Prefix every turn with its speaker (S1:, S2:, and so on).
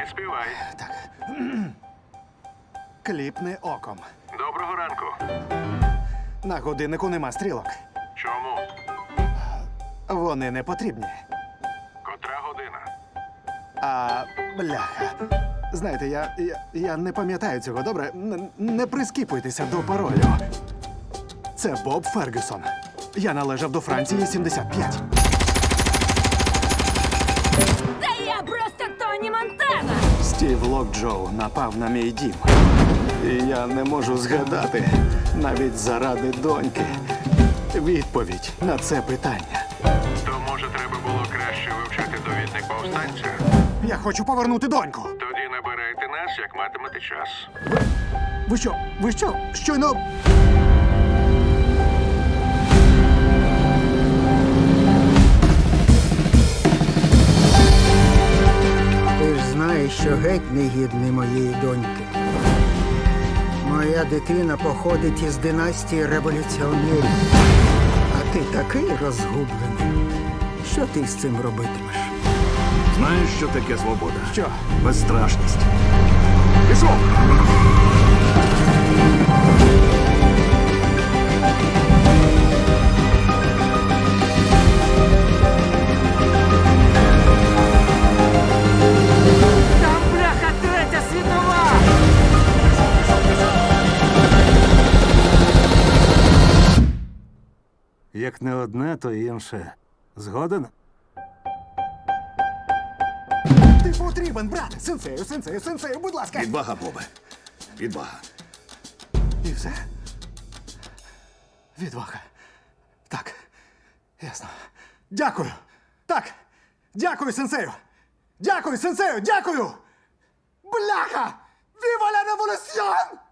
S1: співай.
S2: Так. Кліпни оком.
S1: Доброго ранку.
S2: На годиннику нема стрілок.
S1: Чому?
S2: Вони не потрібні.
S1: Котра година?
S2: А бляха. Знаєте, я не пам'ятаю цього, добре? Не прискіпуйтеся до паролю. Це Боб Фергюсон. Я належав до Франції 75.
S3: Та я просто Тоні Монтана!
S2: Стів Локджоу напав на мій дім. І я не можу згадати, навіть заради доньки, відповідь на це питання.
S1: То, може, треба було краще вивчати довідник повстанця?
S2: Я хочу повернути доньку.
S1: Тоді набирайте нас, як матимете час.
S2: Ви що? Щойно...
S4: Ти ж знаєш, що геть не гідний моєї доньки. Моя дитина походить із династії революціонерів. А ти такий розгублений. Що ти з цим робитимеш?
S5: Знаєш, що таке свобода?
S2: Що?
S5: Безстрашність. Пішов!
S6: Там, бляха, третя світова!
S5: Як не одне, то інше. Згоден?
S2: Ти потрібен, брат! Сенсею, будь ласка!
S5: Відвага, Бобе. Відвага.
S2: І все. Відвага. Так. Ясно. Дякую. Так. Дякую, сенсею. Дякую, сенсею. Дякую. Бляха! Віва ла революціон!